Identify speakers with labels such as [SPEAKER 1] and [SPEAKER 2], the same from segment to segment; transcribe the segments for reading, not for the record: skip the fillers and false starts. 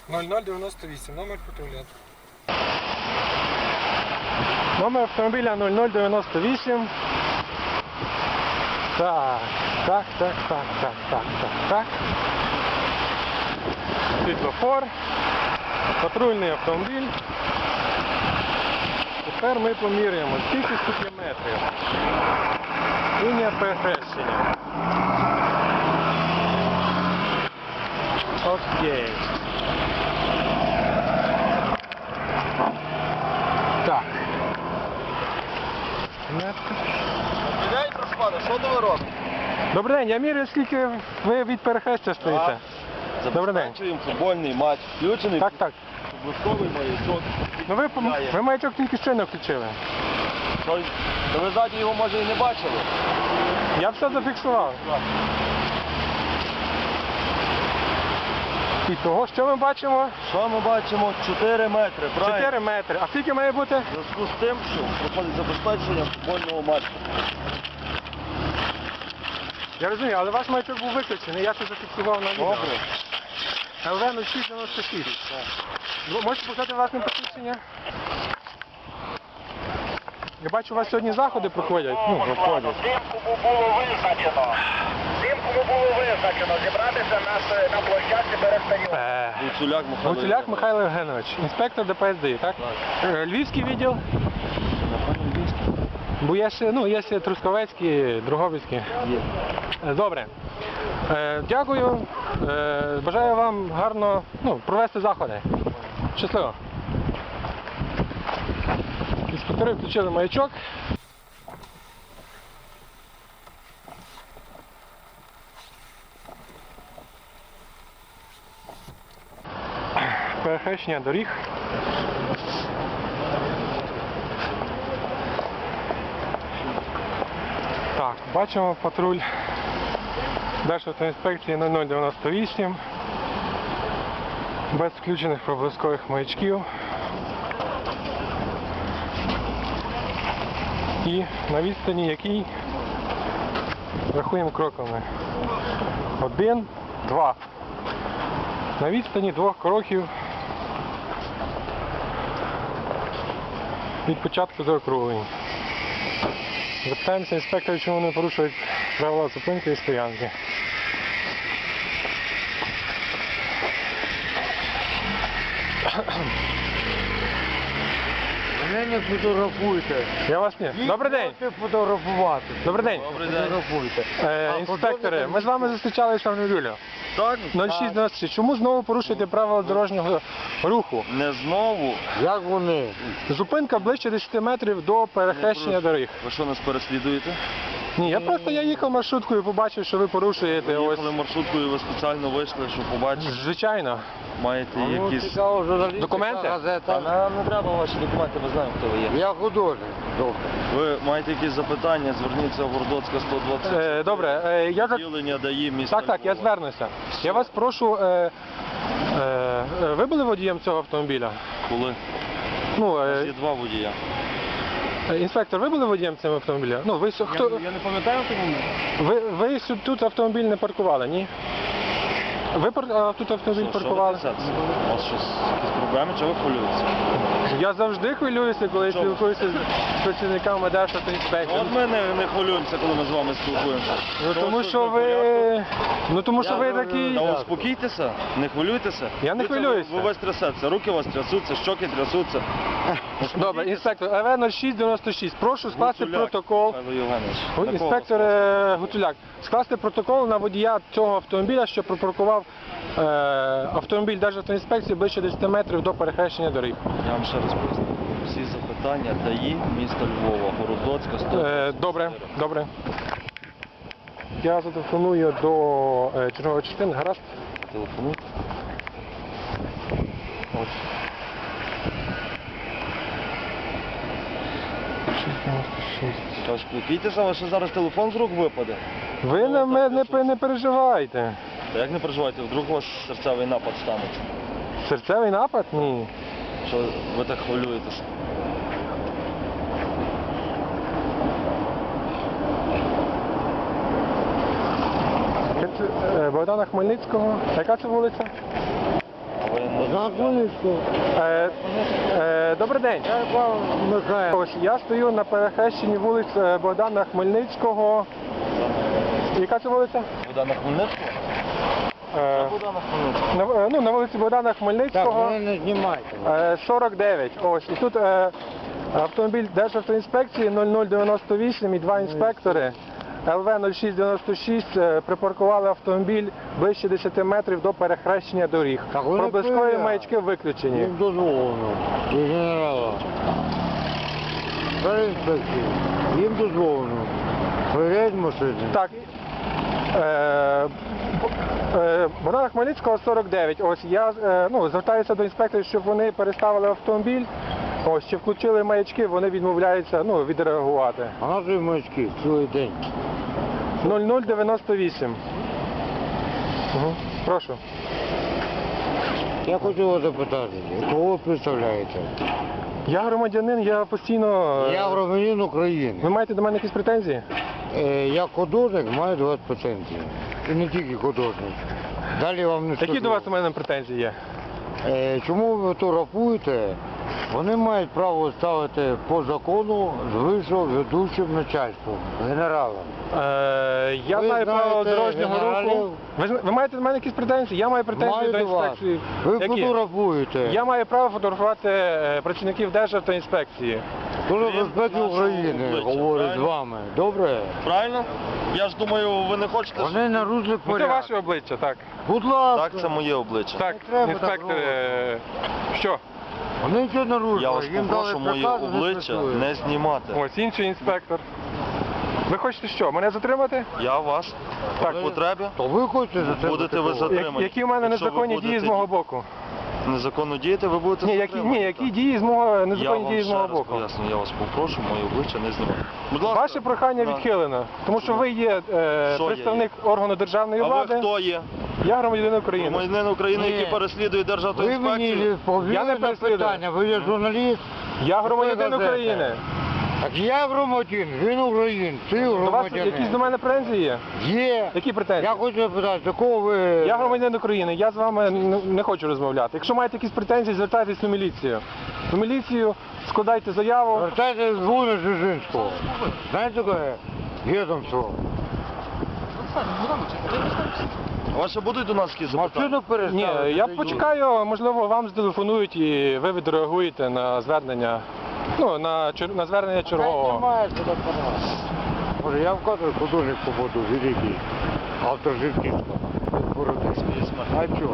[SPEAKER 1] 0098, номер патруля.
[SPEAKER 2] Номер автомобіля 0098. Так. Світлофор. Патрульний автомобіль. Тепер ми поміряємо, скільки тут є метрів. Лінія перехрещення. Окей. Так.
[SPEAKER 3] День, прошу пана, що то ви робите?
[SPEAKER 2] Добрий день, я міряю, скільки ви від перехрестя стоїте. Добрий день.
[SPEAKER 3] Забезпечуємо футбольний матч. Включений
[SPEAKER 2] Так.
[SPEAKER 3] блисковий маячок.
[SPEAKER 2] Ну ви маячок тільки щойно включили.
[SPEAKER 3] Та ви ззаді його, може, і не бачили?
[SPEAKER 2] Я все зафіксував. І того, що ми бачимо?
[SPEAKER 3] Що ми бачимо? 4 метри, правильно?
[SPEAKER 2] 4 метри. А скільки має бути?
[SPEAKER 3] В зв'язку з тим, що проходить забезпечення футбольного матчу.
[SPEAKER 2] Я розумію, але ваш маячок був виключений, я це зафіксував на відео.
[SPEAKER 3] Добре.
[SPEAKER 2] ЛВ 0696. Можете показати власне посвідчення? Я бачу, у вас сьогодні заходи проходять. Проходять.
[SPEAKER 4] Тим, кому було визначено зібратися на площадці перед стадіоном.
[SPEAKER 2] Гуцуляк Михайло Євгенович, інспектор ДПС ДАІ, так? Львівський відділ? Бо є ще Трускавецький, Дрогобицький. Добре. Дякую. Бажаю вам гарно провести заходи. Щасливо. Інспектори включили маячок. Перехрещення доріг. Так, бачимо патруль Державтоінспекції 0098 без включених проблискових маячків. І на відстані якій рахуємо кроками. 1, 2. На відстані 2 кроків від початку заокруглень. Запитаємося інспекторів, чому вони порушують правила зупинки і стоянки.
[SPEAKER 1] Мене не фотографуйте.
[SPEAKER 2] Я вас ні. Добрий день.
[SPEAKER 1] Фотографувати.
[SPEAKER 2] Добрий день.
[SPEAKER 1] Фотографуйте.
[SPEAKER 2] Інспектори, ми з вами зустрічалися в неділю.
[SPEAKER 3] Так?
[SPEAKER 2] 0696. Чому знову порушуєте правила дорожнього руху?
[SPEAKER 3] Не знову.
[SPEAKER 1] Як вони?
[SPEAKER 2] Зупинка ближче 10 метрів до перехрещення доріг.
[SPEAKER 3] Ви що, нас переслідуєте?
[SPEAKER 2] Ні, я їхав маршруткою і побачив, що ви порушуєте.
[SPEAKER 3] Ви
[SPEAKER 2] Ось.
[SPEAKER 3] їхали маршруткою, ви спеціально вийшли, щоб побачити.
[SPEAKER 2] Звичайно.
[SPEAKER 3] Маєте якісь...
[SPEAKER 1] Цікаво, журналістика,
[SPEAKER 2] Документи?
[SPEAKER 3] Та
[SPEAKER 1] газета.
[SPEAKER 3] нам не треба ваші документи, ми знаємо, хто ви є.
[SPEAKER 1] Я художник. Добре.
[SPEAKER 3] Ви маєте якісь запитання, зверніться в Городоцька 120.
[SPEAKER 2] Добре, я так.
[SPEAKER 3] Відділення ДАІ міста
[SPEAKER 2] Так, я
[SPEAKER 3] Львова.
[SPEAKER 2] звернуся. Я вас прошу, ви були водієм цього автомобіля?
[SPEAKER 3] Коли?
[SPEAKER 2] Ну,
[SPEAKER 3] У нас є 2 водія.
[SPEAKER 2] інспектор, ви були водієм цього автомобіля? Ну, ви хто?
[SPEAKER 3] Я не пам'ятаю, тому...
[SPEAKER 2] Ви тут автомобіль не паркували, ні? Ви тут автомобіль паркували?
[SPEAKER 3] Що ви трясетеся? У вас щось, якісь проблеми, чи ви хвилюєтеся?
[SPEAKER 2] Я завжди хвилююся, коли
[SPEAKER 3] Чому?
[SPEAKER 2] спілкуюся з працівниками Державтоінспекції.
[SPEAKER 3] От ми не хвилюємося, коли ми з вами спілкуємося.
[SPEAKER 2] Ну тому що
[SPEAKER 3] все в порядку.
[SPEAKER 2] ви... Ну тому що ви такий...
[SPEAKER 3] Та успокійтеся, не хвилюйтеся.
[SPEAKER 2] Я не хвилююся.
[SPEAKER 3] Ви весь трясеться, руки у вас трясуться, щоки трясуться.
[SPEAKER 2] Добре, інспектор, ЛВ 0696, прошу скласти
[SPEAKER 3] Гуцуляк
[SPEAKER 2] протокол.
[SPEAKER 3] Михайло Євгенович. На кого
[SPEAKER 2] Інспектор
[SPEAKER 3] вас
[SPEAKER 2] Гуцуляк, скласти протокол на водія цього автомобіля, що припаркував автомобіль Державтоінспекції ближче 10 метрів до перехрещення доріг.
[SPEAKER 3] Я вам ще раз поясню. Всі запитання ДАІ міста Львова, Городоцька, 120.
[SPEAKER 2] Добре. Я зателефоную до чергової частини, гаразд?
[SPEAKER 3] Телефонуйте.
[SPEAKER 2] Ось. 696.
[SPEAKER 3] Та успокійтеся, у вас ще зараз телефон з рук випаде.
[SPEAKER 2] Ви на мене не переживайте.
[SPEAKER 3] Та як не переживайте, вдруг у вас серцевий напад станеться.
[SPEAKER 2] Серцевий напад? Ні.
[SPEAKER 3] Що ви так хвилюєтеся?
[SPEAKER 2] Богдана Хмельницького. Яка це вулиця?
[SPEAKER 3] А ви
[SPEAKER 1] На Хмельницького.
[SPEAKER 2] Добрий день.
[SPEAKER 1] Я пан Михайло.
[SPEAKER 2] Ось я стою на перехрещенні вулиць Богдана Хмельницького. Яка це вулиця?
[SPEAKER 3] Богдана Хмельницького? Богдана Хмельницького.
[SPEAKER 2] На вулиці Богдана
[SPEAKER 1] Так,
[SPEAKER 2] Хмельницького.
[SPEAKER 1] мене не знімайте.
[SPEAKER 2] 49. Ось. І тут автомобіль Державтоінспекції 0098 і два інспектори ЛВ 0696 припаркували автомобіль ближче 10 метрів до перехрещення доріг.
[SPEAKER 1] Так вони
[SPEAKER 2] Проблискові
[SPEAKER 1] перевіряють.
[SPEAKER 2] маячки виключені.
[SPEAKER 1] Їм дозволено. І генерала. Переінспекції. Їм дозволено. Перевіряють машини.
[SPEAKER 2] Так. Богдана Хмельницького 49. Ось я звертаюся до інспекторів, щоб вони переставили автомобіль. Ось, чи включили маячки, вони відмовляються відреагувати.
[SPEAKER 1] А наші маячки цілий день.
[SPEAKER 2] 0098. Прошу.
[SPEAKER 1] Я хочу вас запитати, кого ви представляєте?
[SPEAKER 2] Я громадянин, я постійно...
[SPEAKER 1] Я громадянин
[SPEAKER 2] Ви
[SPEAKER 1] України.
[SPEAKER 2] маєте до мене якісь претензії?
[SPEAKER 1] Я художник, маю 20 патентів. І не тільки художник. Далі вам не скажу.
[SPEAKER 2] Які до вас у мене претензії є?
[SPEAKER 1] Чому ви фотографуєте? Вони мають право ставити по закону з вищого ведучим начальством, генералом.
[SPEAKER 2] Я
[SPEAKER 1] Ви
[SPEAKER 2] маю право
[SPEAKER 1] знаєте
[SPEAKER 2] дорожнього
[SPEAKER 1] генералів?
[SPEAKER 2] руху. Ви маєте до мене якісь претензії? Я маю претензії
[SPEAKER 1] Маю
[SPEAKER 2] до
[SPEAKER 1] до вас.
[SPEAKER 2] інспекції.
[SPEAKER 1] Ви
[SPEAKER 2] Які?
[SPEAKER 1] фотографуєте.
[SPEAKER 2] Я маю право фотографувати працівників Державтоінспекції.
[SPEAKER 1] Служба
[SPEAKER 3] Крім
[SPEAKER 1] безпеки
[SPEAKER 3] нашого
[SPEAKER 1] України
[SPEAKER 3] обличчя,
[SPEAKER 1] говорить з
[SPEAKER 3] правильно?
[SPEAKER 1] вами. Добре?
[SPEAKER 3] Правильно? Я ж думаю, ви не хочете...
[SPEAKER 1] Вони нарушили
[SPEAKER 2] Ну, це
[SPEAKER 1] порядок.
[SPEAKER 2] ваше обличчя, так.
[SPEAKER 1] Будь ласка.
[SPEAKER 3] Так, це моє обличчя.
[SPEAKER 2] Так,
[SPEAKER 1] треба так
[SPEAKER 2] інспектор.
[SPEAKER 1] робити.
[SPEAKER 2] Що?
[SPEAKER 1] Вони нічого не нарушили.
[SPEAKER 3] Я вас
[SPEAKER 1] Їм дали
[SPEAKER 3] попрошу моє
[SPEAKER 1] приказ, вони
[SPEAKER 3] обличчя
[SPEAKER 1] працюють.
[SPEAKER 3] не знімати.
[SPEAKER 2] Ось інший інспектор. Ви хочете що? Мене затримати?
[SPEAKER 3] Я вас
[SPEAKER 2] Так.
[SPEAKER 3] по потребі.
[SPEAKER 1] То ви хочете за це
[SPEAKER 3] Будете ви затримані.
[SPEAKER 2] Які в мене
[SPEAKER 3] Якщо ви
[SPEAKER 2] незаконні дії з
[SPEAKER 3] будете
[SPEAKER 2] мого боку?
[SPEAKER 3] Незаконно діяти, ви будете
[SPEAKER 2] Ні,
[SPEAKER 3] затримані.
[SPEAKER 2] які
[SPEAKER 3] так.
[SPEAKER 2] дії з мого
[SPEAKER 3] Я
[SPEAKER 2] незаконні
[SPEAKER 3] вам
[SPEAKER 2] дії з
[SPEAKER 3] ще
[SPEAKER 2] мого
[SPEAKER 3] раз
[SPEAKER 2] боку?
[SPEAKER 3] поясню, я вас попрошу, моє обличчя не знімати. Будь ласка.
[SPEAKER 2] Ваше прохання
[SPEAKER 3] Да.
[SPEAKER 2] відхилено, тому що ви є
[SPEAKER 3] Що я
[SPEAKER 2] представник органу державної
[SPEAKER 3] А ви
[SPEAKER 2] влади.
[SPEAKER 3] хто є?
[SPEAKER 2] Я громадянин України.
[SPEAKER 3] Громадянин України,
[SPEAKER 1] Ні.
[SPEAKER 3] який переслідує
[SPEAKER 1] Ви
[SPEAKER 3] Державну
[SPEAKER 1] мені
[SPEAKER 3] інспекцію?
[SPEAKER 2] Я
[SPEAKER 1] відповіли
[SPEAKER 2] не
[SPEAKER 1] на
[SPEAKER 2] переслідую.
[SPEAKER 1] питання. Ви є журналіст?
[SPEAKER 2] Я громадянин
[SPEAKER 1] газета.
[SPEAKER 2] України.
[SPEAKER 1] Так я громадянин, він українець, ти
[SPEAKER 2] До вас
[SPEAKER 1] громадянин.
[SPEAKER 2] якісь до мене претензії є?
[SPEAKER 1] Є.
[SPEAKER 2] Які претензії?
[SPEAKER 1] Я хочу запитати, до кого ви...
[SPEAKER 2] Я громадянин України, я з вами не хочу розмовляти. Якщо маєте якісь претензії, звертайтесь у міліцію. У міліцію складайте заяву.
[SPEAKER 1] Звертайтесь з Вуни Жижинського. Знаєте таке? Відомство.
[SPEAKER 3] У вас ще будуть до нас якісь запитання?
[SPEAKER 1] Машину переставити.
[SPEAKER 2] Ні, я почекаю, можливо, вам зателефонують і ви відреагуєте на звернення. На звернення чергового.
[SPEAKER 1] Немає сюди формати. Може, я в кадрі художник побуду, великий. Автор Жирківського. А чо?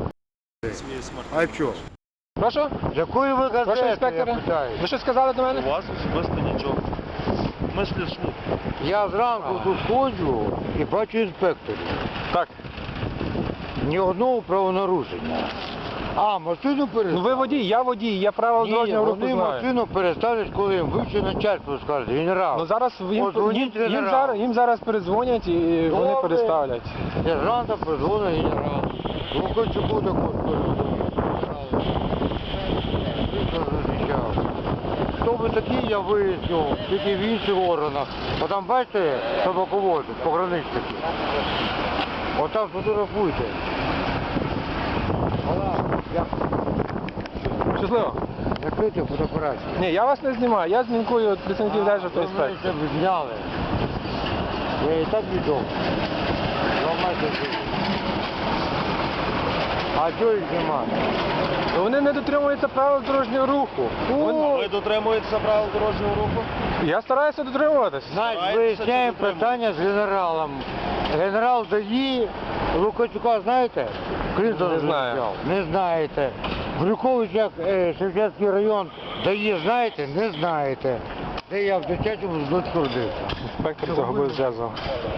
[SPEAKER 1] А чо?
[SPEAKER 2] Прошу?
[SPEAKER 1] З якої ви
[SPEAKER 2] Прошу,
[SPEAKER 1] газети, я
[SPEAKER 2] інспектора.
[SPEAKER 1] питаю?
[SPEAKER 2] Ви щось сказали до мене?
[SPEAKER 3] У вас особисто нічого. Ми слідчу.
[SPEAKER 1] Я зранку тут ходжу і бачу інспекторів.
[SPEAKER 2] Так.
[SPEAKER 1] Ні одного правонарушення. А, машину переставили?
[SPEAKER 2] Ну ви водій, я правила
[SPEAKER 1] Ні,
[SPEAKER 2] дорожнього руху
[SPEAKER 1] вони
[SPEAKER 2] знаю.
[SPEAKER 1] машину переставлять, коли їм вище начальство скаже, генерал.
[SPEAKER 2] Ну зараз
[SPEAKER 1] Подзвоніть генералу.
[SPEAKER 2] їм зараз передзвонять і вони
[SPEAKER 1] Добре.
[SPEAKER 2] переставлять.
[SPEAKER 1] Сержанта призвонить генерал. Лукачуку також захищав. Хто ви такі, я виясню, тільки в інших органах. Бо там, бачите, собаковози, пограничники. Отам фотографуйте.
[SPEAKER 2] Щасливо.
[SPEAKER 1] Закрийте фотоапарат.
[SPEAKER 2] Ні, я вас не знімаю, я знімкую працівників Державтоінспекції.
[SPEAKER 1] Ви мене зняли. Я і так відомо. Ламайте життя. А чого їх знімати?
[SPEAKER 2] Вони не дотримуються правил дорожнього руху.
[SPEAKER 3] Ви дотримуєтеся правил дорожнього руху?
[SPEAKER 2] Я стараюся дотримуватись.
[SPEAKER 1] Значить,
[SPEAKER 3] Старайтеся
[SPEAKER 1] виясняємо
[SPEAKER 3] чи дотримуєтесь?
[SPEAKER 1] питання з генералом. Генерал ДАІ, Лукачука знаєте? Клінтон
[SPEAKER 2] Не знаю.
[SPEAKER 1] захищав. Не знаєте. Брюховича, Шевченський район ДАІ знаєте? Не знаєте. Де я в дитячому садочку родився.
[SPEAKER 2] Інспектор загубив зв'язок.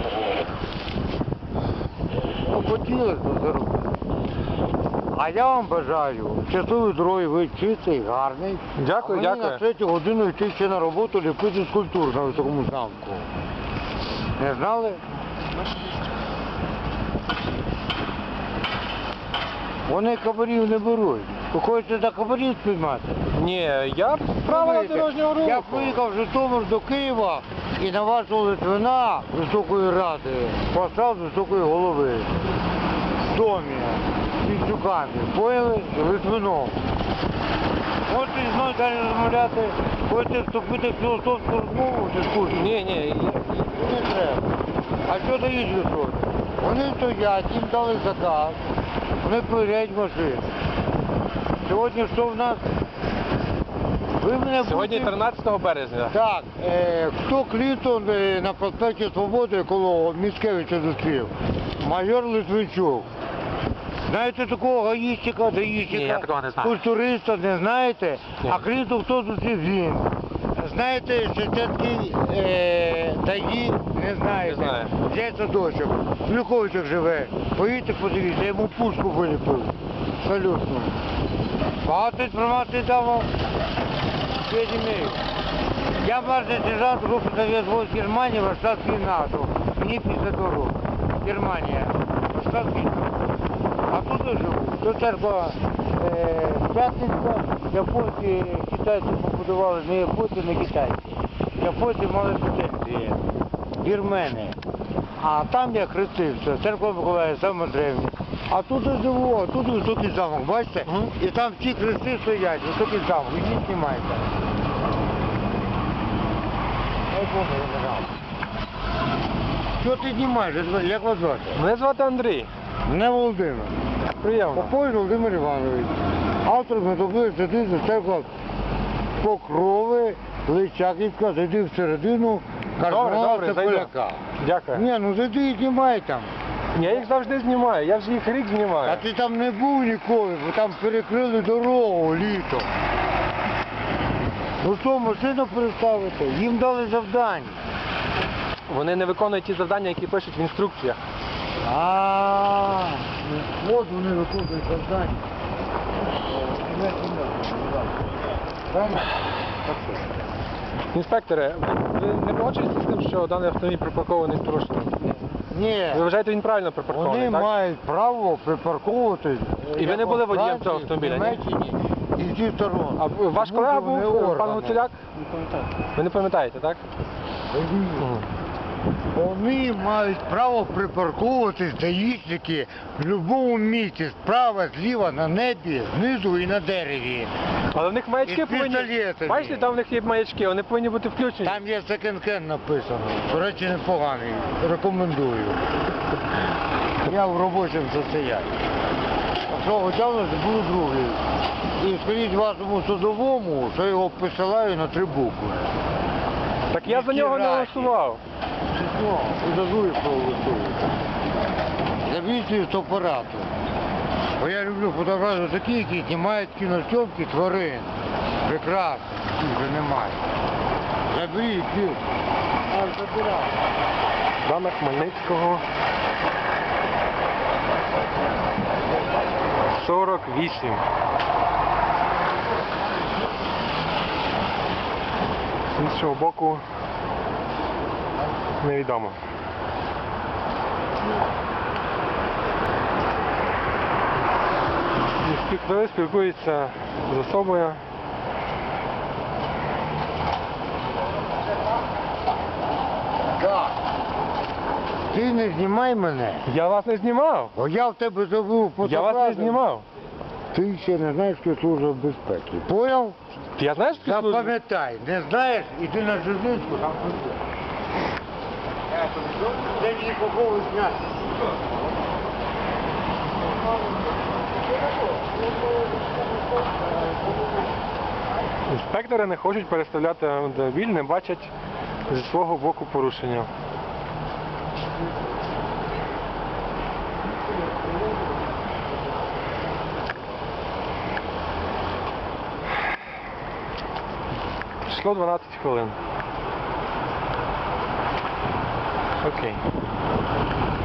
[SPEAKER 1] Ну, хотілося б заробити. А я вам бажаю щасливої дороги, ви чистий, гарний.
[SPEAKER 2] Дякую,
[SPEAKER 1] а мені
[SPEAKER 2] дякую.
[SPEAKER 1] на 3 годину йти ще на роботу ліпити скульптур на високому замку. Не знали? Вони кабарів не беруть. Ви хочете за кабарів спіймати?
[SPEAKER 2] Ні, я правила
[SPEAKER 1] Дивіться,
[SPEAKER 2] дорожнього руху.
[SPEAKER 1] Я приїхав в Житомир до Києва і на вашого Литвина Високої Ради послав з високої голови в домі. матюками, поняли? Литвином. Можете зі мною далі розмовляти, хочете вступити в філософську розмову чи скучно?
[SPEAKER 2] Ні,
[SPEAKER 1] Не треба. А що дають люди? Вони стоять, їм дали заказ, вони перевіряють машину. Сьогодні що в нас? Ви мене
[SPEAKER 2] сьогодні
[SPEAKER 1] будете-
[SPEAKER 2] 13 березня.
[SPEAKER 1] Так, хто Клінтон на проспекті Свободи коло Міцкевича зустрів? Майор Литвинчук. Знаєте такого гаїщика, даїщика?
[SPEAKER 2] Ні, я такого не знаю.
[SPEAKER 1] Культуриста не знаєте?
[SPEAKER 2] Ні.
[SPEAKER 1] А Клінтон хто зустрів? Він. Знаєте, що це такий даї? Не знаєте.
[SPEAKER 2] Не знаю.
[SPEAKER 1] Де садочок? В Люковичах живе. Поїдьте, подивіться, я йому пушку виліпив. Абсолютно. Багато інформації дав вам. Я имею. Я младший сержант группы Совет войск Германии, Варшавский НАТО. Мне 52 роки. Германия. Варшавский НАТО. А тут я живу. Тут церква П'ятницька. Японці, китайці побудували, не японці, не китайці. Японці мали претензії. Вірмени. А там я хрестився. Церква Миколая, саме древня. А тут я живу, а тут високий замок, бачите? І там всі хрести стоять, високий замок. Ідіть, знімайте. Дай Боже, я не знав. Що ти знімаєш? Як вас звати?
[SPEAKER 2] Мене звати Андрій.
[SPEAKER 1] Мене Володимир.
[SPEAKER 2] Приємно.
[SPEAKER 1] Попович Володимир Іванович. Автор методичної статистики церква Покрови, Личаківська, зайди всередину, кардинала
[SPEAKER 2] Добре, зайду.
[SPEAKER 1] Поляка.
[SPEAKER 2] Дякую.
[SPEAKER 1] Ні, ну зайди і знімай там.
[SPEAKER 2] Я їх завжди знімаю, я вже їх рік
[SPEAKER 1] А
[SPEAKER 2] знімаю.
[SPEAKER 1] ти там не був ніколи, бо там перекрили дорогу літом. Ну що, машину переставити? Їм дали завдання.
[SPEAKER 2] Вони не виконують ті завдання, які пишуть в інструкціях.
[SPEAKER 1] От вони виконують завдання.
[SPEAKER 2] Інспекторе, ви не погоджуєтеся з тим, що даний автомобіль припаркований з порушенням?
[SPEAKER 1] Ні,
[SPEAKER 2] Ви вважаєте, він правильно припаркований,
[SPEAKER 1] вони
[SPEAKER 2] так?
[SPEAKER 1] мають право припарковувати.
[SPEAKER 2] І ви не були водієм цього автомобіля, ні?
[SPEAKER 1] В Німеччині і зі сторон.
[SPEAKER 2] А ваш
[SPEAKER 1] Тому
[SPEAKER 2] колега
[SPEAKER 1] що вони
[SPEAKER 2] був, пан
[SPEAKER 1] органи.
[SPEAKER 2] Гуцуляк? Ви не пам'ятаєте, так?
[SPEAKER 1] Вони мають право припарковувати даїшники в будь-якому місці, справа, зліва, на небі, знизу і на дереві.
[SPEAKER 2] Але в них маячки
[SPEAKER 1] І
[SPEAKER 2] повинні...
[SPEAKER 1] пістолети.
[SPEAKER 2] Бачите, там в них є маячки, вони повинні бути включені.
[SPEAKER 1] Там є секонд-хенд написано. До речі, непоганий. Рекомендую. Я в робочому состоянні. Якщо готовності, буду другий. І скажіть вашому судовому, що його посилаю на 3 букви.
[SPEAKER 2] Так я за нього не голосував.
[SPEAKER 1] Чесно, удажую проголосую. Забійте з апарату. Бо я люблю фотографії такі, які знімають кінозйомки тварин. Прекрасно, їх вже немає. Заберіть їх. А, забирай.
[SPEAKER 2] Дана Хмельницького. 48. З іншого боку невідомо. Інспектори спілкуються з особою.
[SPEAKER 1] Так. Ти не знімай мене,
[SPEAKER 2] Я вас не знімав.
[SPEAKER 1] бо я в тебе забув
[SPEAKER 2] Я
[SPEAKER 1] фотографію.
[SPEAKER 2] вас не знімав.
[SPEAKER 1] Ти ще не знаєш, що служба безпеки. Поняв?
[SPEAKER 2] Я знаєш, що служба?
[SPEAKER 1] Запам'ятай, не знаєш, іди на Жирницьку, там прийде. Це нікого зняти.
[SPEAKER 2] Інспектори не хочуть переставляти автомобіль, не бачать зі свого боку порушення. Пройшло 12 хвилин. Окей.